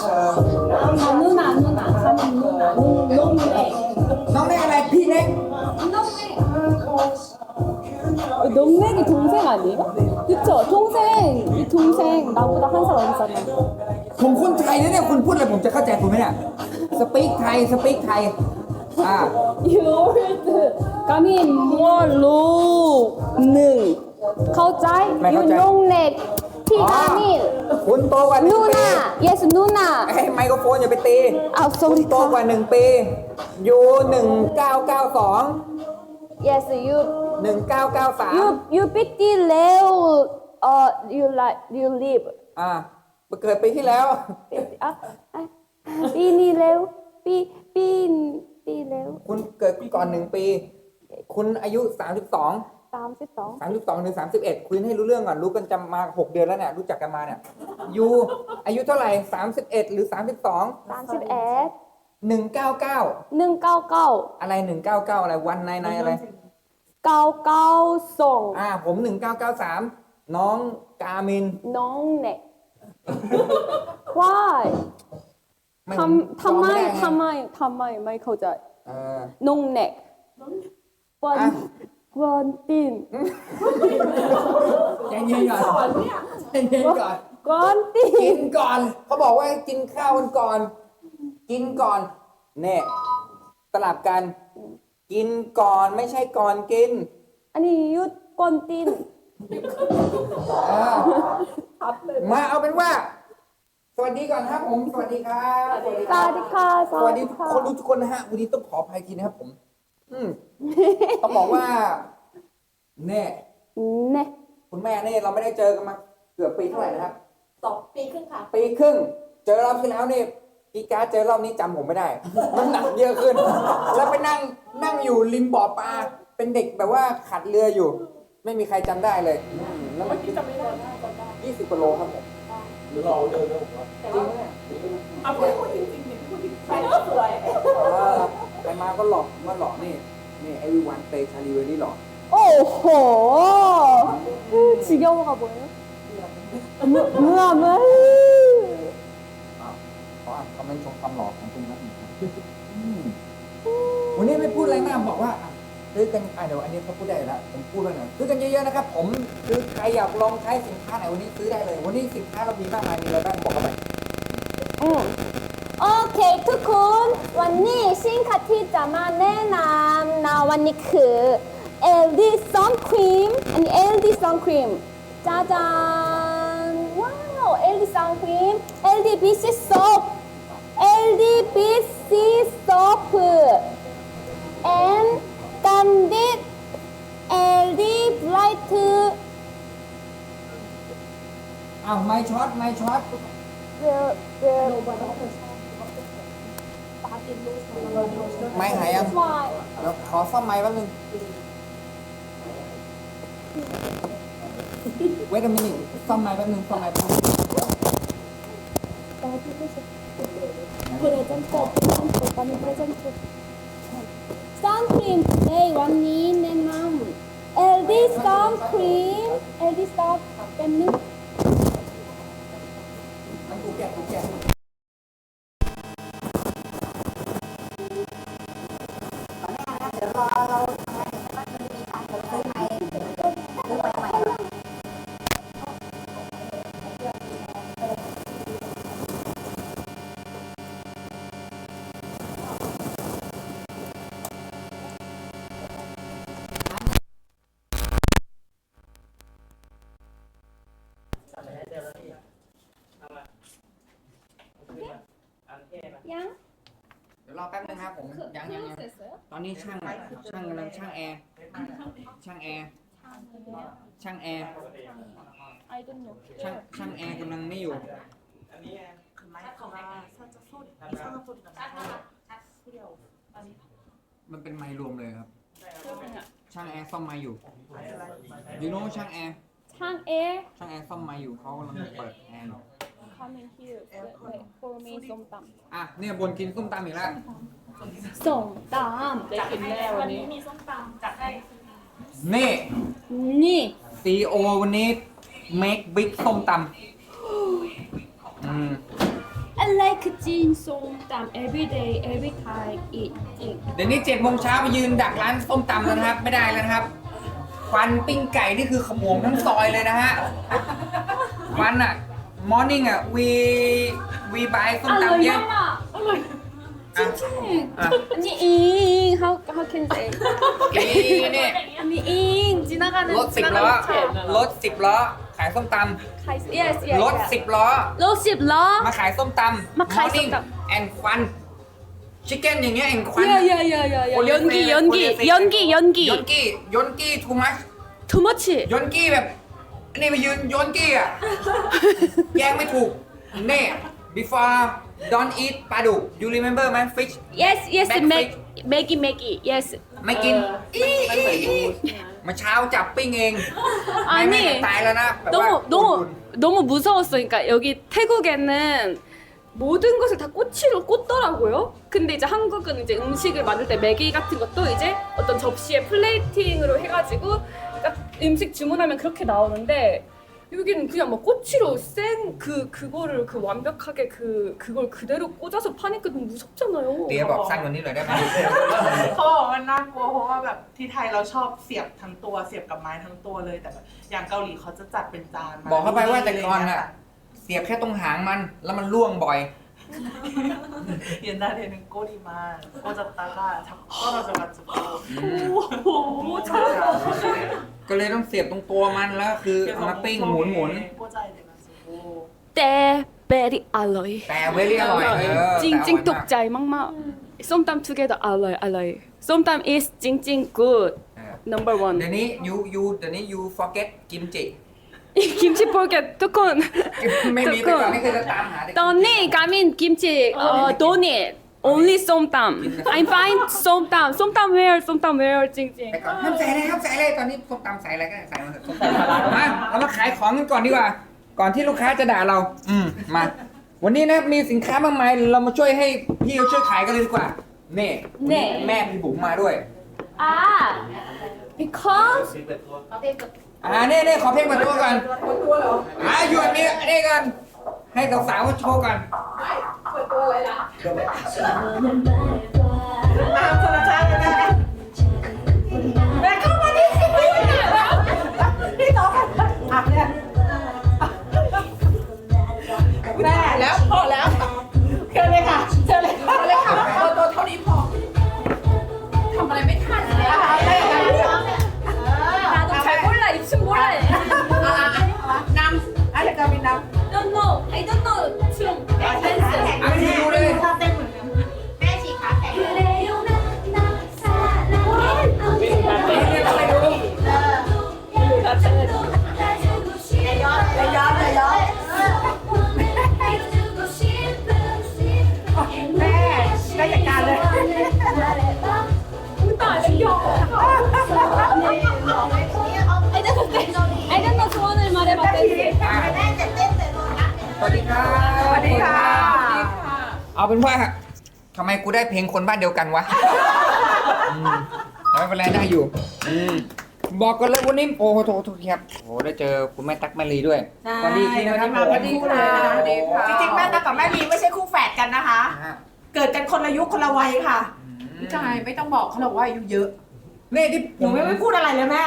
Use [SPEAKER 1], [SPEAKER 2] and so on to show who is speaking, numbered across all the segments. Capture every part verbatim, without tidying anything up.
[SPEAKER 1] 아, 누나, 누나. 사람 누나. 농, 농맥.
[SPEAKER 2] น้องเล็กอะไรพี่เล็ก
[SPEAKER 1] 농맥. 농맥이 동생 아니에요? 그쵸? 동생. 이 동생 나보다 한 살 어리잖아요.
[SPEAKER 2] ผมคนไทยนะเนี่ยคุณพูดอะไรผมจะเข้าใจคุณไหมเนี่ยสปีกไทยสปีกไทยอ่า
[SPEAKER 1] You old. 가민 뭘로 능.เข้าใจ? You 농맥. 피 가민.
[SPEAKER 2] คุณโตกว่าหนึ่งปี
[SPEAKER 1] 누나. Yes, 누나.
[SPEAKER 2] ไอ้ไมโครโฟนอย่าไปตี
[SPEAKER 1] 아,
[SPEAKER 2] คุณ
[SPEAKER 1] sorry.
[SPEAKER 2] โตกว่าหนึ่งปีอยู่หนึ่งเก้าเก้าสอง
[SPEAKER 1] Yes, you
[SPEAKER 2] หนึ่งเก้าเก้าสาม
[SPEAKER 1] you you fifty leo. Uh, you like you live.
[SPEAKER 2] อ่าเกิดปีที่แล้ว
[SPEAKER 1] 아, 아, 삐니 레오, 삐, 삐, 삐 레오.
[SPEAKER 2] คุณเกิดก่อนหนึ่งปี คุณอายุสามสิบสอง
[SPEAKER 1] 삼십도.
[SPEAKER 2] สามสิบสองถึงสามสิบเอ็ดคุยให้รู้เรื่องก่อนรู้กันจำมาหกเดือนแล้วเนี่ยรู้จักกันมาเนี่ยยูอายุเท่าไหร่สามสิบเอ็ดหรือสามสิบสอง
[SPEAKER 1] 삼십일.
[SPEAKER 2] หนึ่งเก้าเก้า
[SPEAKER 1] 능까우까우.
[SPEAKER 2] อะไรหนึ่งเก้าเก้าอะไรวันในในอะไร
[SPEAKER 1] 까우까우송.
[SPEAKER 2] อ่าผมหนึ่งเก้าเก้าสามน้องกามิน
[SPEAKER 1] 농내. Why?
[SPEAKER 2] ไม่
[SPEAKER 1] ทำทำไม
[SPEAKER 2] จำด้ง
[SPEAKER 1] ทำไมทำไมไม่เข้าใจ
[SPEAKER 2] เออ
[SPEAKER 1] 농내. 원,
[SPEAKER 2] อ่ะ
[SPEAKER 1] 원틴.
[SPEAKER 2] ใจเย็นก่อนใจเย็นก่อน กิน
[SPEAKER 1] 원틴.
[SPEAKER 2] ก่อนเขาบอกว่าให้กินข้าวกันก่อน กินก่อนเนี่ยสลับกัน กินก่อนไม่ใช่ก่อนกิน
[SPEAKER 1] 아니, 유, 원틴.
[SPEAKER 2] เออมาเอาเป็นว่า สวัสดีก่อนครับผม สวัสดีครับสวัสดีครับ
[SPEAKER 1] 사디카,
[SPEAKER 2] สวัสดีคนรู้
[SPEAKER 1] 사디카.
[SPEAKER 2] ทุกคนนะฮะวันนี้ต้องขออภัยทีนะครับผม อืมต้องบอกว่าเนี่ย
[SPEAKER 1] 네.
[SPEAKER 2] คุณแม่เนี่ยเราไม่ได้เจอกันมาเกือบปีเท่าไหร่นะครับ
[SPEAKER 3] สองปีครึ่งค่ะ
[SPEAKER 2] ปีครึ่ง เจอรอบที่แล้วนี่กีการ์ดเจอรอบนี้จำผมไม่ได้ น้ำหนักเยอะขึ้น แล้วไปนั่งนั่งอยู่ริมบ่อปลา เป็นเด็กแบบว่าขัดเรืออยู่ ไม่มีใครจำได้เลยอืมแล้วมัน
[SPEAKER 3] จำไม่ได้จำได้
[SPEAKER 2] ยี่สิบกิโลครับผม
[SPEAKER 4] หรือเราเดินเรื่องผมว่า
[SPEAKER 3] แต่ว่าเอาพูดพูดจริงๆเนี่ยพูดจริงๆใช่ก็สวย
[SPEAKER 2] เออไปมาก็หลอกมาหลอกนี่ นี่ไอวิวันเตชาลีเวอรี่หลอก
[SPEAKER 1] 오호. 지겨워가 뭐예요? 뭐, 뭐야, 뭐야.
[SPEAKER 2] เขาอ่านคอมเมนต์ชมความหล่อของคุณนะอืมวันนี้ไม่พูดอะไรมากบอกว่าอ่ะซื้อกันอ่ะเดี๋ยวอันนี้เขาพูดได้แล้วผมพูดแล้วหน่อยซื้อกันเยอะๆนะครับ ผมคือใครอยากลองใช้สินค้าไหนวันนี้ซื้อได้เลย วันนี้สินค้าเรามีมากมายมีอะไรบ้างบอกกันไป
[SPEAKER 1] 응. 오케이, 투콘. 완니 싱카티 자마 내남 나 완니 그 엘디 선크림 아니 엘디 선크림 짜잔 와우 엘디 선크림 엘디 비씨 소프 엘디 비씨 소프 and candid 엘디 브라이트
[SPEAKER 2] อ้าวไม่ช็อตไม่ช็อต
[SPEAKER 1] 그, 그,
[SPEAKER 2] ไม่หายยัง
[SPEAKER 1] why
[SPEAKER 2] เดี๋ยวขอซ่อมไม้แป๊บนึงเวทมินิซ่อมไม้แป๊บนึงซ่อมไม้แป๊บนึง
[SPEAKER 1] 프레젠트, 프레젠트, 오빠는 프레젠트. 선크림, 에이, 완니, 내맘. 엘디 선크림, 엘디 선, 뺐니?
[SPEAKER 2] มันกูแกะกูแกะ
[SPEAKER 3] เดี๋ยวรอเราทำไมมันมีการเปิดซื้อใหม่ซื้อใหม่ใหม่
[SPEAKER 1] 양?
[SPEAKER 2] เดี๋ยวรอแป๊บนึงครับผมยังยังยังตอนนี้ช่างช่างกำลังช่างแอร์ช่างแอร์ช่างแอร์
[SPEAKER 1] I don't know.
[SPEAKER 2] ช่างช่างแอร์กำลังไม่อยู่ มันเป็นไมค์รวมเลยครับ ช่างแอร์ซ่อมไมค์อยู่ยูโน่ช่างแอร์
[SPEAKER 1] 창 air,
[SPEAKER 2] ช่างแอร์ซ่อมไมค์อยู่เขากำลังเปิดแอร์อยู่
[SPEAKER 1] come in here. Wait, wait, for me, 쏨땀.
[SPEAKER 2] อ่ะเนี่ยบนกินส้มตำอีกแล้ว
[SPEAKER 1] 쏨땀.
[SPEAKER 3] จัดกินแน่วันนี้มีส้มตำจัดให้
[SPEAKER 2] นี่
[SPEAKER 1] 니.
[SPEAKER 2] ซีโอวันนี้ make big ส้มตำอืม
[SPEAKER 1] I like like จีนส้มตำ every day every time eat จริง
[SPEAKER 2] เดี๋ยวนี้เจ็ดโมงเช้าไปยืนดักร้านส้มตำแล้วนะครับ ไม่ได้แล้วนะครับควันปิ้งไก่นี่คือขโมงทั้งซอยเลยนะฮะควันอะ morning อะ we we buy ส้ม
[SPEAKER 1] อร่อย
[SPEAKER 2] ตำเยอะ
[SPEAKER 1] มากอร่อยจริงจริง
[SPEAKER 2] อ่ะ
[SPEAKER 1] อันนี้อิง how how can say
[SPEAKER 2] นี่นี่
[SPEAKER 1] อันนี้อิง지나가는
[SPEAKER 2] รถสิบล้อรถสิบล้อขายส้มต
[SPEAKER 1] yes yes
[SPEAKER 2] ำรถสิบล้อ
[SPEAKER 1] รถสิบล้อ
[SPEAKER 2] มาขายส้มตำ
[SPEAKER 1] มาขายส้มตำ
[SPEAKER 2] morning and ควันชิคเก้นอย่างเงี้ยแอนควัน
[SPEAKER 1] yeah yeah yeah yeah yeah 연기 연기 연기
[SPEAKER 2] ย
[SPEAKER 1] 연기
[SPEAKER 2] นกี้ยนกี้ too much
[SPEAKER 1] too much
[SPEAKER 2] ยนกี้แบบนี่ไปยืนยนกี้อ่ะ แยงไม่ถูกเน่ before don't eat ปลาดุก you remember ไหม fish
[SPEAKER 1] yes yes
[SPEAKER 2] Back
[SPEAKER 1] make make make yes
[SPEAKER 2] ไม่กินอีอีอีมาเช้าจับปิ้งเอง
[SPEAKER 1] 아니
[SPEAKER 2] ไม่ไม่ตายแล้วนะแบบว่า
[SPEAKER 1] 너무 너무 너무 무서웠어. 그러니까 여기 태국에는 모든 것을 다 꼬치로 꽂더라고요. 근데 이제 한국은 이제 음식을 만들 때 매기 같은 것도 이제 어떤 접시에 플레이팅으로 해가지고 딱 음식 주문하면 그렇게 나오는데 여기는 그냥 막 꼬치로 생 그 그거를 그 완벽하게 그 그걸 그대로 꽂아서 파니까 너무 무섭잖아요.
[SPEAKER 2] เตียบอกสั้นกว่านี้หน่อยได้ไหม
[SPEAKER 5] เขาบอกว่ามันน่ากลัวเพราะว่าแบบที่ไทยเราชอบเสียบทั้งตัวเสียบกับไม้ทั้งตัวเลยแต่แบบอย่างเกาหลีเขาจะจัดเป็นจานม
[SPEAKER 2] บอกเข้าไปว่าแต่ก่อนน่ะเสียบแค่ตรงหางมันแล้วมันล่วงบ่อย
[SPEAKER 5] 옛날에는 꼬리만 꽂았다가 자꾸 떨어져가지고
[SPEAKER 1] 오 잘한다.
[SPEAKER 2] ก็เลยต้องเสียบตรงตัวมันแล้วคือเอามาปิ้งหมุนหมุน
[SPEAKER 5] 꽂아야 돼가지고
[SPEAKER 1] 때 베리 알로이.
[SPEAKER 2] แต่เวลี่อร่อยเออ
[SPEAKER 1] 찡찡 독자이 막막. 쏨땀 together 알로이 알로이. 쏨땀 is 찡찡 good.
[SPEAKER 2] เออ
[SPEAKER 1] Number one.
[SPEAKER 2] เดี๋ยวนี้ you you เดี๋ยวนี้ you forget กิมจิ
[SPEAKER 1] 김치 포켓 두콘.
[SPEAKER 2] ไม่มีแต่ก่อนนี่คือจะตามหาแต่
[SPEAKER 1] 떠니 가민 김치 어 도니. Only 쏨땀. I'm fine 쏨땀. 쏨땀 where 쏨땀 where 찡찡.
[SPEAKER 2] แต่ก่อนห้ามใส่เลยห้ามใส่เลยตอนนี้ส้มตำใส่อะไรก็ได้ใส่มาเถอะส้มตำมาเรามาขายของกันก่อนดีกว่า ก่อนที่ลูกค้าจะด่าเรา อืมมา วันนี้นะมีสินค้ามากมายเรามาช่วยให้พี่เขาช่วยขายกันเลยดีกว่าเน่วันนี้แม่พี่บุ๋มมาด้วย
[SPEAKER 1] 아 because
[SPEAKER 2] อ่าเน่เน่ขอเพลงเปิดตัวก่อนอ่าหยุดนี่นี่กันให้สาวๆเขาโชว์กัน
[SPEAKER 5] ตามธรรมชาติแม่แม่เข้ามาดิพี่ต่ออ่ะเนี่ยแม่แล้วพอแล้วเชิญเลยค่ะเชิญเลยค่ะเลยค่ะตัวตัวเท่านี้พอทำอะไรไม่ทันเลยนะคะได้ค่ะ
[SPEAKER 1] 나도 잘 몰라 입춤 몰라.
[SPEAKER 5] นำอะไรก็มีนำ
[SPEAKER 1] Don't know. I don't know 춤.
[SPEAKER 2] อ่ะ
[SPEAKER 1] 댄스.
[SPEAKER 2] พี่ดูเลย
[SPEAKER 3] ชอบเต้นเหมือนกันแม่ฉีกขาแข็งเลย
[SPEAKER 2] นี่ทำไมดู
[SPEAKER 3] เอออย่าย้อนอย่าย้อนอย่าย้อนแม่ได้จัดการเลย
[SPEAKER 1] I don't know. I don't know 소원을 말해봐 댄스.
[SPEAKER 3] แม่จะเต้นแต่โดนนัด
[SPEAKER 2] สวัสดีครับ
[SPEAKER 5] สวัสดีค่ะ
[SPEAKER 2] เอาเป็นว่าทำไมกูได้เพลงคนบ้านเดียวกันวะอืมไม่เป็นไรได้อยู่อืมบอกกันเลยวันนี้โอ้โหโทษโทษครับโอ้โหได้เจอคุณแม่ตั๊กแมรี่ด้วยสวัสดีทีนะครับ
[SPEAKER 5] สวัสดีค่ะสวัสดีค่ะจริงๆแม่ตั๊กกับแม่ลีไม่ใช่คู่แฝดกันนะคะ
[SPEAKER 2] ฮะ
[SPEAKER 5] เกิดกันคนละยุคคนละวัยค่ะ
[SPEAKER 6] ใช่ไม่ต้องบอกเขาหรอกว่าอายุเยอะ
[SPEAKER 2] นี่ที่
[SPEAKER 5] หนูไม่ไม่พูดอะไรเลยแม่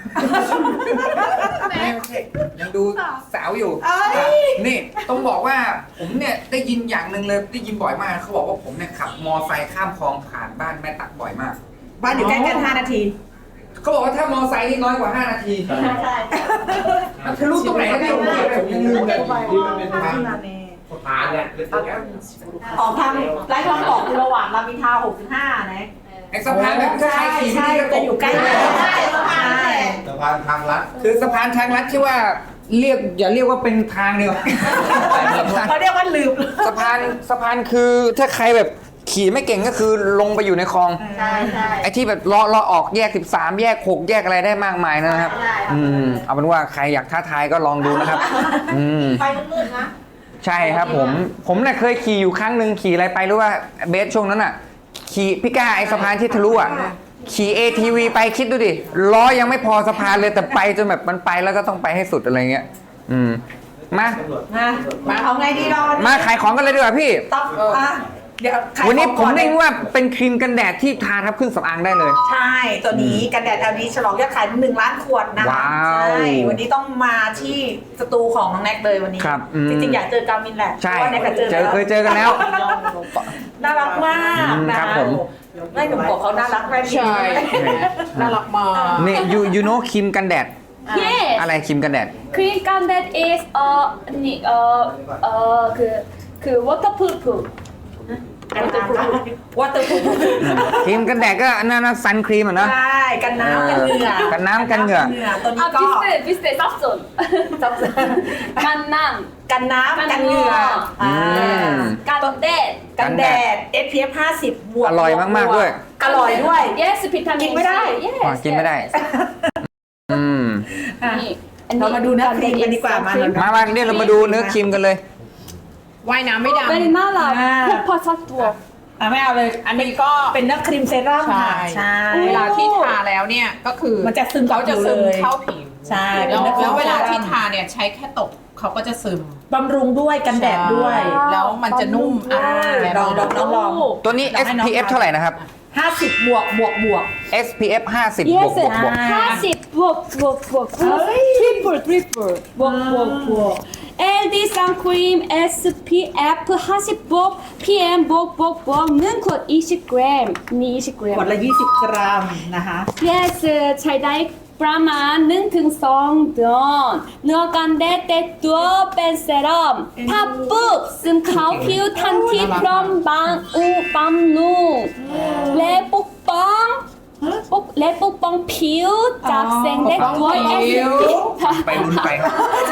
[SPEAKER 2] ไม่ไม่ใช่ยังดูสาวอยู่
[SPEAKER 5] เอ้ย
[SPEAKER 2] นี่ต้องบอกว่าผมเนี่ยได้ยินอย่างหนึ่งเลยได้ยินบ่อยมากเขาบอกว่าผมเนี่ยขับมอไซค์ข้ามคลองผ่านบ้านแม่ตั๊กบ่อยมาก
[SPEAKER 5] บ้านอยู่ใกล้กันห้านาที
[SPEAKER 2] เขาบอกว่าถ้ามอไซค์นี่น้อยกว่าห้านาที
[SPEAKER 3] ใช่
[SPEAKER 2] มันทะลุตรงไหนก็ได้ผมผมยังลืมเลย
[SPEAKER 4] ที่มันเป็นทางสะพานเนี่ยเป็นตึกอะ
[SPEAKER 5] ออกทางไร้ทางบอกคือระหว่างรามอินทราหกสิบห้านะ
[SPEAKER 2] ไอ้สะพานแบบถ้า
[SPEAKER 5] ใช่
[SPEAKER 2] ใครขี่
[SPEAKER 5] ใช่
[SPEAKER 2] ไม่ดีก็ต
[SPEAKER 5] จะ
[SPEAKER 2] ก
[SPEAKER 5] อยู่ใกล้กันใช่ใช่
[SPEAKER 4] สะพานทางลัด
[SPEAKER 2] คือสะพานทางลัดที่ว่าเรียกอย่าเรียกว่าเป็นทางเดียว
[SPEAKER 5] เขาเรียกว่าลืม
[SPEAKER 2] สะพานสะพานคือถ้าใครแบบขี่ไม่เก่งก็คือลงไปอยู่ในคลอง
[SPEAKER 3] ใช่ใช่
[SPEAKER 2] ไอ้ที่แบบเลาะเลาะออกแยกสิบสามแยกหกแยกอะไรได้มากมายนะครับ
[SPEAKER 3] ใช่
[SPEAKER 2] อืมเอาเป็นว่าใครอยากท้าทายก็ลองดูนะครับ อืม
[SPEAKER 3] ไฟมืดๆนะ
[SPEAKER 2] ใช่ครับผม ผมเนี่ยเคยขี่อยู่ครั้งหนึ่งขี่อะไรไปรู้ว่าเบสช่วงนั้นอ่ะ ขี่พี่ก้าไอ้สะพานที่ทะลุอ่ะ ขี่ เอ ที วี ไปคิดดูดิล้อยังไม่พอสะพานเลยแต่ไปจนแบบมันไปแล้วก็ต้องไปให้สุดอะไรเงี้ย อืมมา
[SPEAKER 5] มามาเอาไงดีเราวัน
[SPEAKER 2] มา
[SPEAKER 5] นี้
[SPEAKER 2] ขายของกันเลยดีกว่าพี่
[SPEAKER 5] ต้องอ่ะเดี๋ยวขาย
[SPEAKER 2] วันนี้
[SPEAKER 5] ของ
[SPEAKER 2] ผม
[SPEAKER 5] ก่อ
[SPEAKER 2] เรียกว่าเป็นครีมกันแดดที่ทาทับเครื่องสำอางได้เลย
[SPEAKER 5] ใช่ตัวนี้กันแดด แอล ดี ฉลองยอดขายหนึ่งล้านขวดนะคะ
[SPEAKER 2] ว้าว
[SPEAKER 5] ใช่วันนี้ต้องมาที่สตูของน้องแน็กเลยวันนี้
[SPEAKER 2] ครับอืม
[SPEAKER 5] จริงๆอยากเจอกามินแหละ
[SPEAKER 2] ใช่
[SPEAKER 5] เพราะว่าแน็กก็เจอ
[SPEAKER 2] เจอ
[SPEAKER 5] แล้ว
[SPEAKER 2] เคยเจอกันแล้ว
[SPEAKER 5] น่ารักมาก
[SPEAKER 2] อืม
[SPEAKER 5] นะครับ
[SPEAKER 2] ผม
[SPEAKER 5] ไม่หนุ่มบอกเขาน่ารักแม่ดี
[SPEAKER 6] ใช่น่ารักมาก
[SPEAKER 2] นี่ยูยูโนครีมกันแดด
[SPEAKER 1] yes
[SPEAKER 2] อะไรครีมกันแดด
[SPEAKER 1] cream content is uh ni uh uh คือคือ waterproof
[SPEAKER 5] กันน้ำได้วอเตอร์พูฟ
[SPEAKER 2] ครีมกันแดดก็นั่นนะซันครีมอ่ะเนาะ
[SPEAKER 5] ใช่กันน้ำกันเหงื่อ
[SPEAKER 2] กันน้ำกันเหงื่อ
[SPEAKER 5] ตัวนี้
[SPEAKER 1] 아
[SPEAKER 5] ก็
[SPEAKER 1] 비슷해 비슷해 쌉손 간남
[SPEAKER 5] กันน้ำกันเหงื่อ
[SPEAKER 2] อื
[SPEAKER 5] อ่า
[SPEAKER 2] ม
[SPEAKER 1] 간데
[SPEAKER 5] กันแดด เอส พี เอฟ ห้าสิบบวก
[SPEAKER 2] อร่อยมากๆด้วย
[SPEAKER 5] อร่อยด้วย
[SPEAKER 1] yes 비타민
[SPEAKER 5] กินไม่ได้
[SPEAKER 1] C. yes
[SPEAKER 2] อ๋อกินไม่ได้ อืม
[SPEAKER 5] อ่ะ
[SPEAKER 1] นี่
[SPEAKER 5] เรามาดูเนื้อครีมกันดีกว่ามา
[SPEAKER 2] มามาเนี่ยเรามาดูเนื้อครีมกันเลย
[SPEAKER 6] ว่ายน้ำไม่ดำ
[SPEAKER 1] very 나라 페퍼 사투어
[SPEAKER 5] อ่ะไม่เอาเลย
[SPEAKER 6] อันนี้ก็
[SPEAKER 5] เป็นเนื้อครีมเซรั่มค่ะ
[SPEAKER 6] ใช่
[SPEAKER 5] ใช่
[SPEAKER 6] เวลาที่ทาแล้วเนี่ยก็คือ
[SPEAKER 5] มันจะซึมกับ
[SPEAKER 6] เขาจะ
[SPEAKER 5] ผิว
[SPEAKER 6] ซึม
[SPEAKER 5] เลย
[SPEAKER 6] เข้าผิว
[SPEAKER 5] ใช่
[SPEAKER 6] แล้ว
[SPEAKER 5] เป็นเนื้อครีม
[SPEAKER 6] แล้วเวลาที่
[SPEAKER 5] ซรั่ม
[SPEAKER 6] ทาเนี่ยใช้แค่ตกเขาก็จะซึม
[SPEAKER 5] บำรุงด้วยกันแดดด้วย
[SPEAKER 6] ใช่แล้วมันจะนุ่มอ่ะ
[SPEAKER 5] ลองลองลองลอง
[SPEAKER 2] ตัวนี้
[SPEAKER 5] ลอง
[SPEAKER 2] เอส
[SPEAKER 5] ให้น้อง
[SPEAKER 2] พี เอฟ เท่าไหร่นะครับ
[SPEAKER 5] ห้าสิบบวกบวกบวก
[SPEAKER 2] เอส พี เอฟ ห้าสิบบวกบวกบวก
[SPEAKER 1] 사십 부엌 부엌 부엌 트리플 트리플 부엌 부엌 부엌 엘디 선크림 에스피에프 사십 부엌 피엠 부엌 부엌 부엌 능컷 이십 그램 니 이십
[SPEAKER 5] ขวด
[SPEAKER 1] 그램
[SPEAKER 5] ละ ยี่สิบ กรัมนะคะ
[SPEAKER 1] yes ใช้ได้ประมาณหนึ่งถึงสองเดือนเนื้อกันแดดแต่ตัวเป็นเซรั่มถ้าปุ๊บซึมเข้าผิวทันทีพร้อมบางอุบำรุงและปกป้องปกและปกป้องผิวจากแสงแดดด้วย
[SPEAKER 6] ปกป้องผิว
[SPEAKER 2] ไปลุ้นไปครับ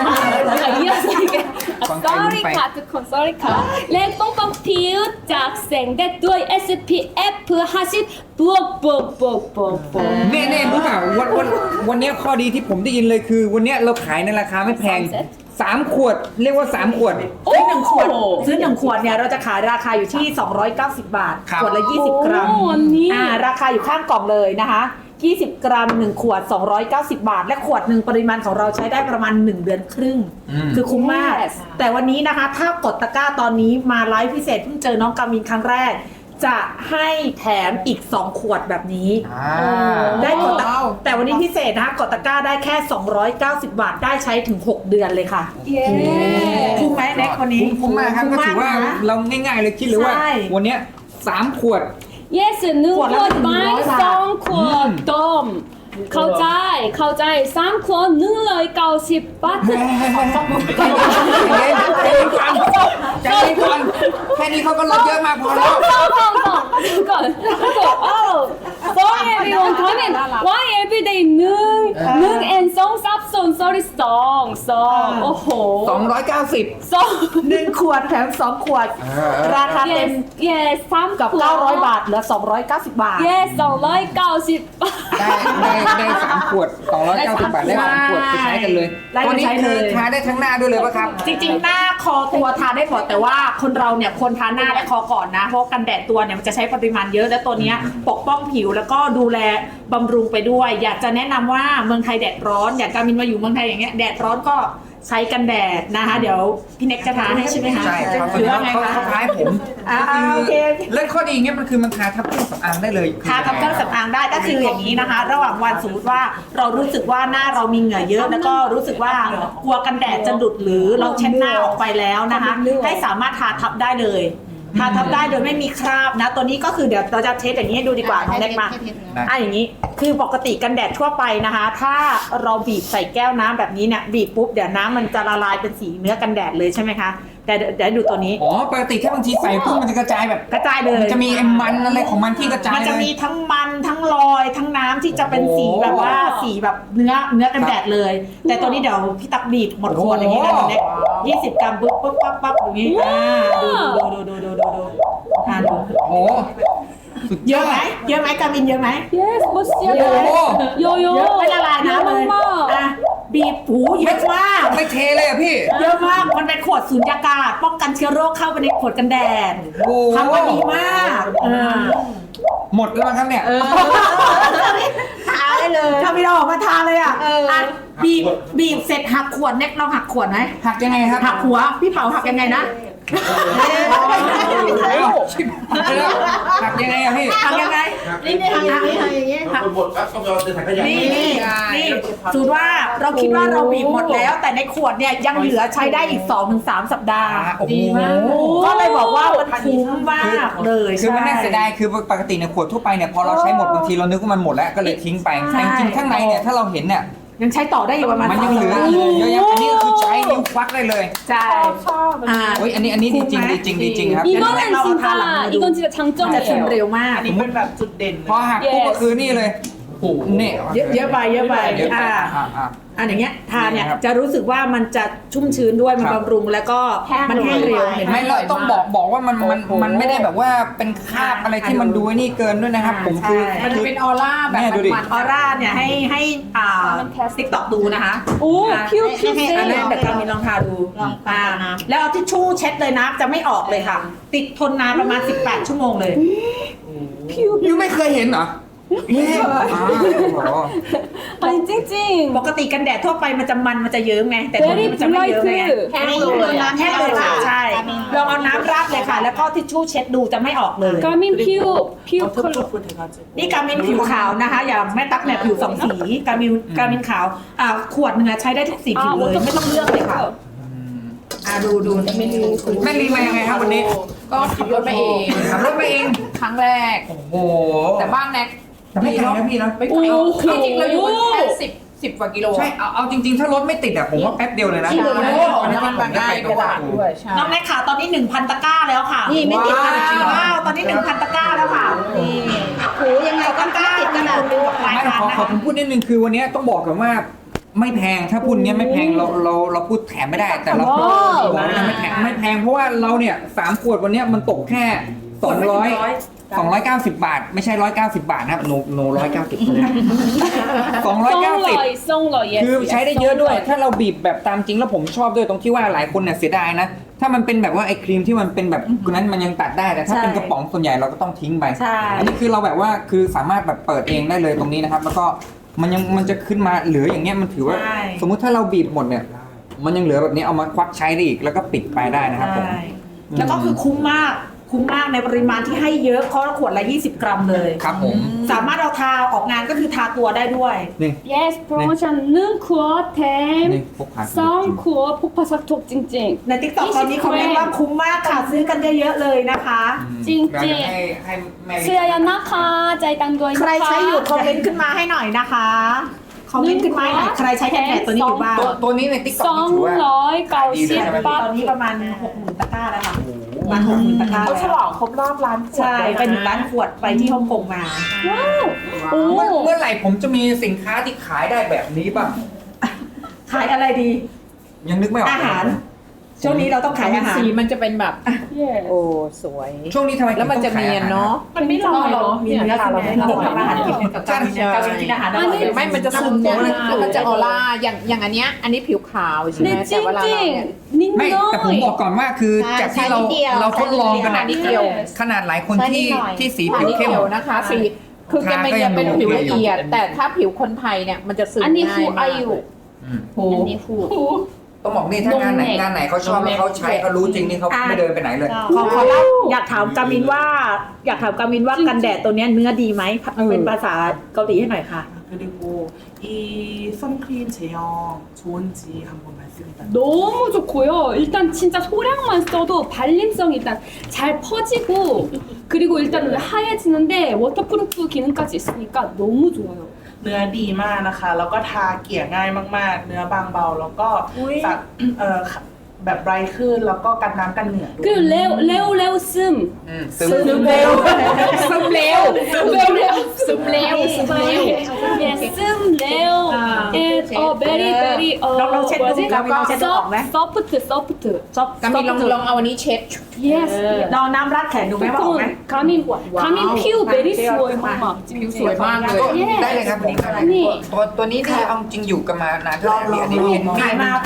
[SPEAKER 1] sorry ค่ะทุกคน sorry ค่ะและปกป้องผิวจากแสงแดดด้วย เอส พี เอฟ ห้าสิบบวกบวกบวกบวกบวก
[SPEAKER 2] เน่เน่รู้เปล่าวันวันวันเนี้ยข้อดีที่ผมได้ยินเลยคือ วันเนี้ยเราขายในราคาไม่แพง
[SPEAKER 1] สามเซ็ต
[SPEAKER 2] สามขวด เรียกว่าสามขวด
[SPEAKER 5] ซื้อหนึ่งขวดซื้อหนึ่งขวดเนี่ยเราจะขายราคาอยู่ที่ สองร้อยเก้าสิบ บาท
[SPEAKER 2] ครับ
[SPEAKER 5] ขวดละ ยี่สิบ กรัม
[SPEAKER 1] โอ้วันนี้
[SPEAKER 5] อ่าราคาอยู่ข้างกล่องเลยนะคะยี่สิบ กรัมหนึ่งขวด สองร้อยเก้าสิบ บาท และขวดหนึ่งปริมาณของเราใช้ได้ประมาณหนึ่งเดือนครึ่ง
[SPEAKER 2] อืม
[SPEAKER 5] คือคุ้มมาก
[SPEAKER 1] Yes
[SPEAKER 5] แต่วันนี้นะคะถ้ากดตะกร้าตอนนี้มาไลฟ์พิเศษเพิ่งเจอน้องกามินครั้งแรก จะให้แถมอีกสองขวดแบบนี้
[SPEAKER 2] อ่า
[SPEAKER 5] ได้กดตะ
[SPEAKER 6] ว้าว
[SPEAKER 5] แต่วันนี้พิเศษนะคะกดตะกร้าได้แค่ สองร้อยเก้าสิบ บาทได้ใช้ถึงหกเดือนเลยค่ะ
[SPEAKER 1] เย้
[SPEAKER 5] คุ้มไหมแน็กคนนี้
[SPEAKER 2] คุ้มมากครับก็ถือว่า
[SPEAKER 5] นะ
[SPEAKER 2] เราง่ายๆเลยคิดเลยว่า
[SPEAKER 5] ใช่
[SPEAKER 2] วันเนี้ยสามขวด
[SPEAKER 1] yes หนึ่ง
[SPEAKER 5] ข
[SPEAKER 1] ข
[SPEAKER 5] ว
[SPEAKER 1] ว
[SPEAKER 5] ด
[SPEAKER 1] ด
[SPEAKER 5] ละ
[SPEAKER 1] ไม้
[SPEAKER 5] หนึ่งร้อยบาท
[SPEAKER 1] สองขวดต้มเข้าใจเข้าใจสามขวดหนึ่งร้อยเก้าสิบบาท
[SPEAKER 2] ใจเย็นใจเย็นก่อนใจเย็นก่อนแค่นี้เขาก็ลดเยอะมากพอแล้ว
[SPEAKER 1] ก่อนก่อน oh sorry everyone ทำไม why everyday หนึ่งหนึ่ง and สองซับซ้อน sorry สองสองโอ้โห
[SPEAKER 2] สองร้อยเก้าสิบ
[SPEAKER 1] สอง
[SPEAKER 5] หนึ่งขวดแถมสองขวด
[SPEAKER 2] เออ
[SPEAKER 5] ราคาเต็
[SPEAKER 1] yes
[SPEAKER 5] ม
[SPEAKER 1] yes สาม
[SPEAKER 5] กับ
[SPEAKER 1] ขวด
[SPEAKER 5] เก้าร้อย บาทเหลือ สองร้อยเก้าสิบ บาท
[SPEAKER 1] yes สองร้อยเก้าสิบบาท
[SPEAKER 2] ได้ได้ได้สามขวดสองร้อยเก้าสิบบาทได้สามขวดไปใช้กันเลย
[SPEAKER 5] ได้
[SPEAKER 2] ตัว
[SPEAKER 5] ไป
[SPEAKER 2] นี้
[SPEAKER 5] ใช้
[SPEAKER 2] คื
[SPEAKER 5] เล
[SPEAKER 2] อย ทาได้ทั้งหน้าด้วยเลยป่ะครับ
[SPEAKER 5] จริงๆ หน้าคอตัวทาได้หมดแต่ว่าคนเราเนี่ยควรทาหน้าและคอก่อนนะ เพราะกันแดดตัวเนี่ยมันจะใช้ปริมาณเยอะและตัวเนี้ยปกป้องผิวแล้วก็ดูแลบำรุงไปด้วย อยากจะแนะนำว่าเมืองไทยแดดร้อน อยากการมินมาอยู่เมืองไทยอย่างเงี้ยแดดร้อนก็ใช้กันแดดนะคะ เดี๋ยวพี่เน็กจะทาให้ใช่ไหมคะ
[SPEAKER 2] ใช่ครับ
[SPEAKER 5] หรือว่าไง
[SPEAKER 2] เขา
[SPEAKER 5] คะ
[SPEAKER 2] เขาท้ายผม
[SPEAKER 5] อ่าโอเค
[SPEAKER 2] เรื่องข้อดีเงี้ยมันคือมันทาทับเครื่องสำอางได้เลย
[SPEAKER 5] ทากับเครื่องสำอางได้ก็คืออย่างนี้นะคะ ระหว่างวันสมมติว่าเรารู้สึกว่าหน้าเรามีเหงื่อเยอะ แล้วก็รู้สึกว่ากลัวกันแดดจะหลุดหรือเราเช็ดหน้าออกไปแล้วนะคะ ให้สามารถทาทับได้เลยทาทับได้โดยไม่มีคราบนะ ตัวนี้ก็คือเดี๋ยวเราจะเทสอย่างนี้ให้ดูดีกว่าน้องเล็กมาอ่ะอย่างนี้คือปกติกันแดดทั่วไปนะคะ ถ้าเราบีบใส่แก้วน้ำแบบนี้เนี่ยบีบปุ๊บเดี๋ยวน้ำมันจะละลายเป็นสีเนื้อกันแดดเลยใช่ไหมคะแต่เดี๋ยวดูตัวนี้
[SPEAKER 2] อ๋อปกติถ้าบางทีใส่ปุ๊บมันจะกระจายแบบ
[SPEAKER 5] กระจายเลย
[SPEAKER 2] มันจะมีไอ้มันอะไรของมันที่กระจาย
[SPEAKER 5] มันจะ
[SPEAKER 2] เลย
[SPEAKER 5] มีทั้งมันทั้งรอยทั้งน้ำที่จะเป็นสีแบบว่าสีแบบเนื้อเนื้อกันแดดเลย แต่ตัวนี้เดี๋ยวพี่ตักบีบหมดขวดอย่างนี้นะน้องเล็กยี่สิบกรัมปุ๊บปุ๊บปั๊บปั๊บอย่างนี้อ่าดูดูดูดูดูดูดูอ่าดู
[SPEAKER 2] โอ้สุด
[SPEAKER 5] เย
[SPEAKER 2] ยอ
[SPEAKER 5] อะ
[SPEAKER 2] ด
[SPEAKER 5] ไหมเยอะไหมกามินเยอะไหม
[SPEAKER 1] yes บดเสีย
[SPEAKER 2] โอ้โห
[SPEAKER 1] โยโย่
[SPEAKER 5] เยอะไม่ละลายน้ำเลย
[SPEAKER 1] มาก
[SPEAKER 5] อ่ะบีบหูเยอะมาก
[SPEAKER 2] ไม่เทเลยอะพี่
[SPEAKER 5] เยอะมากมันเป็นขวดสูญญากาศป้องกันเชื้อโรคเข้าไปในขวดกันแดด
[SPEAKER 2] โอ้
[SPEAKER 5] ทำมาดีมากอ่า
[SPEAKER 2] หมดแล้วมั้งครับเนี่ย
[SPEAKER 5] ทาได้เลยถ้าไม่ได้ออกมาทาเลยอ่ะอ่ะบีบบีบเสร็จหักขวดเน็กลองหักขวดไหม
[SPEAKER 2] หักยังไงครับ
[SPEAKER 5] หักหัวพี่เป๋าหักยังไงนะ
[SPEAKER 2] หักยังไงอะพี่
[SPEAKER 5] หักยังไง
[SPEAKER 3] นี่นี่ทำอย่างนี้ทำอย่างนี้
[SPEAKER 4] คนหมดครับต้องเอาถังขยะ
[SPEAKER 5] นี่นี่นี่สูตรว่าเราคิดว่าเราบีบหมดแล้ว แต่ในขวดเนี่ยยังเหลือใช้ได้อีก สองถึงสาม สัปดาห์
[SPEAKER 2] โอ้โห
[SPEAKER 5] ก็เลยบอกว่ามันคุ้มมากเลย
[SPEAKER 2] คือมันน่าเสียดายคือปกติในขวดทั่วไปเนี่ยพอเราใช้หมดบางทีเรานึกว่ามันหมดแล้วก็เลยทิ้งไปแต่จริงๆข้างในเนี่ยถ้าเราเห็นเนี่ย
[SPEAKER 5] ยังใช้ต่อได้อยู่ประมาณ
[SPEAKER 2] มันยังเหลืออีกเยอะแยะอันนี้คือใช้นิ้วควักได้เลย
[SPEAKER 5] ใช่อ่า
[SPEAKER 2] โอ้ยอันนี้อันนี้ดีจริงดีจริงดีจริงครับ
[SPEAKER 1] 이거는
[SPEAKER 5] 나와
[SPEAKER 1] 진짜
[SPEAKER 5] 달라.
[SPEAKER 1] 이건 진짜
[SPEAKER 5] จะซึม
[SPEAKER 1] 장점이에요.
[SPEAKER 5] เร็วมาก
[SPEAKER 6] อันนี้เป็นแบบจุดเด่น
[SPEAKER 2] พอหักปุ๊บก็คือนี่เลยนี่
[SPEAKER 5] เยอะเยอะไปเยอะไป
[SPEAKER 2] เยอะไป
[SPEAKER 5] อ่า
[SPEAKER 2] อ่าอ่า
[SPEAKER 5] อันอย่างเงี้ยทานเนี่ย
[SPEAKER 2] นี่ครับ
[SPEAKER 5] จะรู้สึกว่ามันจะชุ่มชื้นด้วยมัน
[SPEAKER 2] ครับ
[SPEAKER 5] บำรุงแล้วก็มันแห้งเร็วเห็นไหม
[SPEAKER 2] ไม่เราต้องบอกบอกว่ามันมัน
[SPEAKER 5] โอ้โห
[SPEAKER 2] มันไม่ได้แบบว่าเป็นคราบอะไรที่มันดูไอ้นี่เกินด้วยนะครับ
[SPEAKER 5] อ่า
[SPEAKER 2] ผมคือ
[SPEAKER 5] ใช่
[SPEAKER 6] มันจะเป็นออร่าแบบ
[SPEAKER 2] แม่ดูดิ
[SPEAKER 6] มัน
[SPEAKER 5] ออร่าเนี่ยให้ให้อ่าติ๊กต็อกดูนะคะ
[SPEAKER 1] 오,
[SPEAKER 5] อ่า
[SPEAKER 1] 피부
[SPEAKER 5] ให้ให้อันนั้น
[SPEAKER 1] 피부
[SPEAKER 5] เดี๋ยวกามินลองทาดูอ่าแล้วเอาทิชชู่เช็ดเลยนะจะไม่ออกเลยค่ะ ติดทนนานประมาณ สิบแปด ชั่วโมงเลย
[SPEAKER 2] ยูไม่เคยเห็นเหรอเอ๊ะอ่าโอ้โห
[SPEAKER 1] 아니 찡찡.
[SPEAKER 5] ปกติกันแดดทั่วไปมันจะมันมันจะเยิ้มไงแต่ตัวนี้มันจะไม่เยิ้มไง
[SPEAKER 1] 블라이트.
[SPEAKER 3] แห้งเลยอะ
[SPEAKER 5] แห้งเลยค่ะใช่ลองเอาน้ำราดเลยค่ะ แล้วก็ทิชชู่เช็ดดูจะไม่ออกเลย
[SPEAKER 1] 가민 피부 피부 컬러.
[SPEAKER 5] นี่กามินผิวขาวนะคะ อย่าแม่ตั๊กเนี่ยผิวสองสีกามินกามินขาวอ่าขวดหนึงอะใช้ได้ทุกสีผิวเลยไม่ต้องเลือกเลยค่ะอ่าดูดูไม่ดู
[SPEAKER 2] แม่ลีมายังไงครับวันนี้
[SPEAKER 6] ก็ขับรถไปเอง
[SPEAKER 2] ขับรถมาเอง
[SPEAKER 6] ครั้งแรก
[SPEAKER 2] โอ้โห
[SPEAKER 6] แต่บ้านแน็ก
[SPEAKER 2] แต่ไม่ไกลนะพี่นะ
[SPEAKER 6] ไม่ไกลจริงๆเราอยู่กันแค่สิบสิบกว่ากิโล
[SPEAKER 2] ใช่เอาเอาจริงๆ ถ้ารถไม่ติดอะผมว่าแป๊บเดียวเลยนะ
[SPEAKER 6] โอ้โห
[SPEAKER 2] วันนั้นวันนั้น
[SPEAKER 6] มัน
[SPEAKER 2] ผมได้
[SPEAKER 6] ง่าย
[SPEAKER 2] ไป
[SPEAKER 6] กระดาษด้วยใช่
[SPEAKER 5] น้องแม่ขาวตอนนี้ หนึ่งพัน ตะกร้าแล้วค่ะ
[SPEAKER 3] นี่ไม่ติด
[SPEAKER 5] ว้
[SPEAKER 3] กระดาษ
[SPEAKER 5] ว้าวตอนนี้ หนึ่งพัน ตะกร้าแล้วค่ะนี่
[SPEAKER 3] ถูยังไงก็ไม่ติดกระดาษ
[SPEAKER 5] ดูดอกไม้
[SPEAKER 2] ไม่
[SPEAKER 5] ทาน
[SPEAKER 2] ขอ
[SPEAKER 5] นะ
[SPEAKER 2] ขอ
[SPEAKER 5] คะ
[SPEAKER 2] ผมพูดนิดนึงคือวันนี้ต้องบอกกันว่าไม่แพงถ้าพูดเนี้ยไม่แพงเราเราเราพูดแถมไม่ได้แต่เรา
[SPEAKER 1] ว้าว
[SPEAKER 2] บอกเลยนะไม่แพงไม่แพงเพราะว่าเราเนี่ยสามขวดวันเนี้ยมันตกแค่สองร้อยสองร้อยเก้าสิบบาท ไม่ใช่ร้อยเก้าสิบบาทนะครับโนโนร้อยเก้าสิบสองร้อยเก้าสิบ
[SPEAKER 1] 송러이 송러 yes.
[SPEAKER 2] คือใช้ได้เยอะด้วย ถ้าเราบีบแบบตามจริงแล้วผมชอบด้วยตรงที่ว่าหลายคนเนี่ยเสียดายนะ ถ้ามันเป็นแบบว่าไอ้ครีมที่มันเป็นแบบนั้นมันยังตัดได้แต่ถ้าเป็นกระป๋องส่วนใหญ่เราก็ต้องทิ้งไป
[SPEAKER 5] ใช่
[SPEAKER 2] อันนี้คือเราแบบว่าคือสามารถแบบเปิดเองได้เลยตรงนี้นะครับ แล้วก็มันยังมันจะขึ้นมาเหลืออย่างเงี้ยมันถือว่า
[SPEAKER 5] ใช่
[SPEAKER 2] สมมุติถ้าเราบีบหมดเนี่ย มันยังเหลือแบบนี้เอามาควักใช้ได้อีกแล้วก็ปิดไปได้นะครับผม
[SPEAKER 5] ใช่แล้วก็คือคุ้มมากคุ้มมากในปริมาณที่ให้เยอะเพราะขวดละยี่สิบ กรัมเลย
[SPEAKER 2] ครับผม
[SPEAKER 5] สามารถเอาทาออกงานก็คือทาตัวได้ด้วย
[SPEAKER 2] นี่
[SPEAKER 1] yes promotion 능 쿠어 템
[SPEAKER 2] นี่พกพา
[SPEAKER 1] 성 쿠어 폭파 삭톡 찡찡.
[SPEAKER 5] ในติ๊กต็อกตอนนี้คอมเมนต์ว่าคุ้มมากค่ะซื้อกันเยอะๆเลยนะคะ
[SPEAKER 1] จริงๆ
[SPEAKER 2] อยากจะให้ให้แม่
[SPEAKER 1] 수야야 나카 짜이단 거이
[SPEAKER 5] ใครใช้อยู่คอมเมนต์ขึ้นมาให้หน่อยนะคะคอมเมนต์ขึ้นมาให้หน่อยใครใช้กันแดดตัวนี้อยู่บ้าง
[SPEAKER 2] ตัวตัวนี้ในติ๊กต็อกถือว่า
[SPEAKER 1] 송러이
[SPEAKER 2] ขายดีเลยใช่ไหม
[SPEAKER 1] 가오십
[SPEAKER 5] ตอนนี้ประมาณ หกหมื่น ตะกร้าแล้วค่ะประมาณ หกหมื่น ตะกร้า
[SPEAKER 6] เขาฉล
[SPEAKER 5] แล้ว
[SPEAKER 6] องครบรอบร้านขวด
[SPEAKER 5] ใช่ไปหนึ่งล้านขวดไปที่ฮ่องกงมา
[SPEAKER 2] เมื่อ
[SPEAKER 1] 오
[SPEAKER 2] เมื่อไหร่ผมจะมีสินค้าที่ขายได้แบบนี้บ้าง
[SPEAKER 5] ขายอะไรดี
[SPEAKER 2] ยังนึกไม่ออก
[SPEAKER 5] อาหาร ช่วงนี้เราต้องขายอาหาร
[SPEAKER 6] สีมันจะเป็นแบบ
[SPEAKER 1] yes
[SPEAKER 6] โอ้สวย
[SPEAKER 2] ช่วงนี้ทำไม
[SPEAKER 6] แล้วมันจะเนียนเนาะ
[SPEAKER 1] มันไม่ลอยเนาะ
[SPEAKER 5] มีเนื้อใช่ไหมเราทำอาหารกินกับการการกินอาหารอร่อย
[SPEAKER 6] ไม่มันจะซึมเนี่ยแล้วมันจะออร่าอย่างอย่างอันเนี้ยอันนี้ผิวขาวใช่ไหม
[SPEAKER 1] 네
[SPEAKER 6] แต่เวลาเราเนี่ย
[SPEAKER 1] 찡찡
[SPEAKER 2] ไม่แต่ผมบอก
[SPEAKER 1] 닝노이
[SPEAKER 2] ก่อนว่าคือจากที่เราเราทดลองกัน
[SPEAKER 6] อั
[SPEAKER 2] นะ
[SPEAKER 6] นนี้เดียว
[SPEAKER 2] ขนาดหลายคนที่ที่สี
[SPEAKER 6] อัน
[SPEAKER 2] ผิว
[SPEAKER 6] นี้
[SPEAKER 2] เข้ม
[SPEAKER 6] เขียวนะคะสีคือแกไม่ยังเป็นผิวละเอียด แต่ถ้าผิวคนไทยเนี่ยมันจะซึมง่าย
[SPEAKER 1] 아니 후
[SPEAKER 6] มาก
[SPEAKER 1] 아유
[SPEAKER 2] อืม
[SPEAKER 1] 아니 후
[SPEAKER 2] ต้องบอกนี่ถ้างานไหน
[SPEAKER 1] นมเน็ก
[SPEAKER 2] งานไหนเขาชอบแล้วเขาใช้เขารู้จริงนี่เขา
[SPEAKER 5] อ่ะ
[SPEAKER 2] ไม่เดินไปไหนเลย
[SPEAKER 5] ขอขอเล่าอยากถามกามินว่า อยากถามกามินว่ากันแดดตัวเนี้ยเนื้อดีไหมเป็นภาษาเกาหลีให้หน่อยค่ะ
[SPEAKER 7] 그리고 이 선크림 제형 좋은지 한번 말씀 부탁드립니다.
[SPEAKER 1] 너무 좋고요. 일단 진짜 소량만 써도 발림성이 일단 잘 퍼지고 그리고 일단은 하얘지는데 워터프루프 기능까지 있으니까 너무 좋아요.
[SPEAKER 7] เนื้อดีมากนะคะ แล้วก็ทาเกลี่ยง่ายมากๆ เนื้อบางเบา แล้วก็
[SPEAKER 5] อุ๊ย
[SPEAKER 7] สักเอ่อแบบไบรท์ขึ้น แล้วก็กันน้ำกันเหงื่อด้วย
[SPEAKER 1] 그리고 레오 레오 레오 씀
[SPEAKER 2] อืมซึม
[SPEAKER 5] ซึมเร็ว
[SPEAKER 6] ซึมเร็วซึมเร็วซึมเร็วซึมเร็ว
[SPEAKER 1] yes 씀 레오 and uh, very very uh
[SPEAKER 5] ลองลองเช็ดดู
[SPEAKER 1] 뭐지?
[SPEAKER 5] กามินลองเช็ดดูออกไหม
[SPEAKER 1] soft soft
[SPEAKER 5] ซอฟ
[SPEAKER 6] กามินลองลองเอาอันนี้เช็ด
[SPEAKER 1] yes
[SPEAKER 5] ลองน้ำราดแขนดูไหมว่าออกไหม
[SPEAKER 1] 가민 가민 피부 베리 스워요 막
[SPEAKER 6] ผิวสวยมากเลย
[SPEAKER 2] ได้เลยครับผม
[SPEAKER 1] นี่
[SPEAKER 2] ตัวตัวนี้ที่เอาจริงอยู่กันมานานเท่าไหร่อันนี้เห็น
[SPEAKER 5] ขายมา
[SPEAKER 1] 근데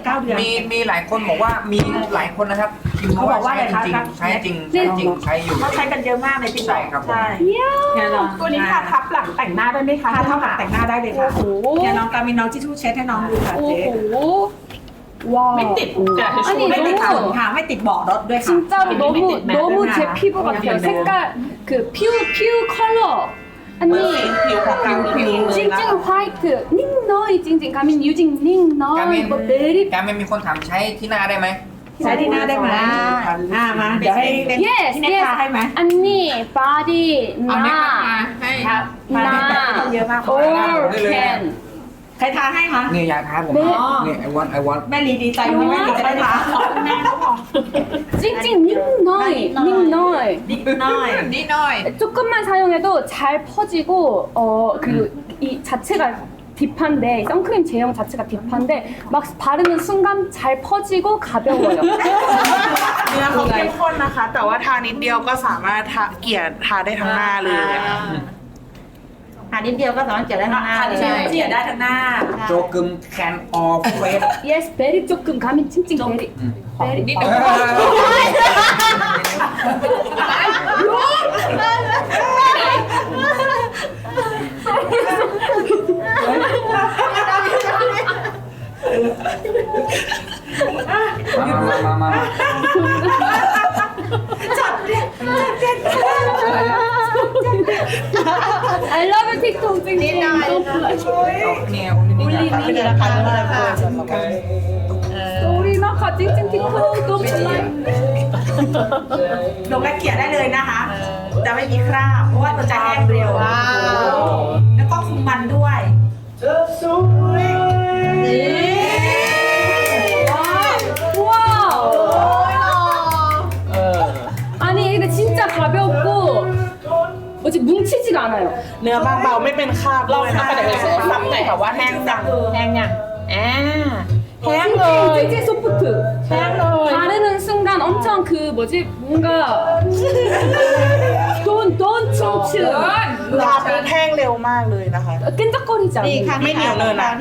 [SPEAKER 5] เก้าเดือน
[SPEAKER 2] มีมีหลายคนบอกว่ามีหลายคนนะครับพิมพ์มาว่า
[SPEAKER 5] เขาบอกว่า
[SPEAKER 2] ใช้
[SPEAKER 5] อะไร
[SPEAKER 2] จริง
[SPEAKER 5] คะ
[SPEAKER 2] ๆใช้จริงใช้จริงใช้อยู่
[SPEAKER 5] เขาใช้กันเยอะมากในติ๊กต็
[SPEAKER 2] ใช่
[SPEAKER 5] อก
[SPEAKER 2] ครับผม
[SPEAKER 5] ใช่
[SPEAKER 1] 이야.
[SPEAKER 5] เนี่ยน้อง
[SPEAKER 6] ตัวนี้ทาทับหลังแต่งหน้าได้ไหมคะ
[SPEAKER 5] ทาเท่าหลังแต่งหน้าได้เลยค่ะ
[SPEAKER 1] โอ้โห
[SPEAKER 5] เนี่ยน้องกามินน้องทิชชู่เช็ดให้น้องดูค่ะเจ๊
[SPEAKER 1] 오호. 와.
[SPEAKER 6] ไม่ติดกระดาษทิชชู่
[SPEAKER 1] 아니
[SPEAKER 5] ไม่ติด
[SPEAKER 1] 너무
[SPEAKER 5] ขนค่ะไม่ติดเบาะรถด้วยค่ะ
[SPEAKER 1] 진짜로 너무
[SPEAKER 5] 네,
[SPEAKER 1] 너무
[SPEAKER 5] 네,
[SPEAKER 1] 제
[SPEAKER 5] 네.
[SPEAKER 1] 피부
[SPEAKER 5] 네,
[SPEAKER 1] 같아요.
[SPEAKER 5] 네.
[SPEAKER 1] 색깔 그 피우 피우 컬러.
[SPEAKER 7] เหมือน
[SPEAKER 1] 아니
[SPEAKER 7] ผิวของกลางผิวเลยนะ
[SPEAKER 1] 찡찡 화이트 닝너이 찡찡 가민 유징 닝너이
[SPEAKER 2] 가민.
[SPEAKER 1] 뭐 베리
[SPEAKER 2] การไม่มีคนถามใช้ที่หน้าได้ไหม
[SPEAKER 5] ใช้ที่หน้าได้ไหมอ่ามาเดี๋ยวให้เล่น
[SPEAKER 1] yes
[SPEAKER 5] ที่เน็ต
[SPEAKER 1] yes
[SPEAKER 5] ทาให้ไหม
[SPEAKER 1] 언니 body
[SPEAKER 6] เอาเน็ตมา
[SPEAKER 1] 나
[SPEAKER 6] ให้
[SPEAKER 5] ครับมาเน็ตแบบไม่ต้องเยอะมาก
[SPEAKER 1] all
[SPEAKER 2] ได้เลย
[SPEAKER 1] can
[SPEAKER 5] ใครทาให้คะ
[SPEAKER 2] นี่อยากท้าผม
[SPEAKER 1] เบ๊ะ
[SPEAKER 2] นี่ไอวอนไอวอน
[SPEAKER 5] แม่ลีดีใจไหมแม่ลีจะได้ทา
[SPEAKER 6] แม่เขาบอก
[SPEAKER 1] 찡찡 닝너이 닝너이
[SPEAKER 5] นิดหน่อย
[SPEAKER 6] นิดหน่อย
[SPEAKER 1] 조금만 사용해도 잘 퍼지고 어 그리고 이 자체가 딥한데 선크림 제형 자체가 딥한데 막 바르는 순간 잘 퍼지고 가벼워요.
[SPEAKER 7] เนื้อเขาเข้มข้นนะคะ แต่ว่าทานิดเดียวก็สามารถทาเกลี่ยทาได้ทั้งหน้าเลยอะ
[SPEAKER 3] ทานิดเดียวก็สามารถเกลี่ยได้ทั้งหน้า
[SPEAKER 5] ทา
[SPEAKER 3] เล
[SPEAKER 5] ที่
[SPEAKER 3] ย
[SPEAKER 5] เกลี่ยได้ทั้งหน้า
[SPEAKER 2] โจกึมแคนออฟเฟส
[SPEAKER 1] yes 베리 조금 가민 찡찡 베리 베리
[SPEAKER 6] นิดเดียว
[SPEAKER 2] มามามามา
[SPEAKER 1] I love you 틱톡 찡찡 또
[SPEAKER 2] เอาเนี่ยคุณนี่อยาก
[SPEAKER 5] เป็นราคาเท่าไหร่คะ
[SPEAKER 1] 우리 나가 찡찡 틱톡 또 플라이
[SPEAKER 5] ลงและเกลี่ยได้เลยนะคะ จะไม่มีคราบเพราะว่าตัวจะแห้งเร็ว แล้วก็คุมมันด้วย
[SPEAKER 1] 와우 아니 근데 진짜 가볍고 뭐지 뭉치지가 않아요.
[SPEAKER 7] เนื้อบางเบาไม่เป็นคราบ
[SPEAKER 6] ลอง
[SPEAKER 7] ด้วย
[SPEAKER 6] ทำ
[SPEAKER 7] นะ
[SPEAKER 6] ไปเดี๋ยวไปซื้อซ้ำหน่อยค่ะว่าแห้งจังแห้งยังอ่าแห้งเลย
[SPEAKER 1] 찡찡 소프트.
[SPEAKER 6] แห้งเลย
[SPEAKER 1] 바르는 순간 엄청 그 뭐지 뭔가 돈돈 춤추
[SPEAKER 7] ทาปุ๊บแห้งเร็วมากเลยนะคะ
[SPEAKER 1] 끈적거리지 않아요.
[SPEAKER 7] ไม่เหนียวเลยนะ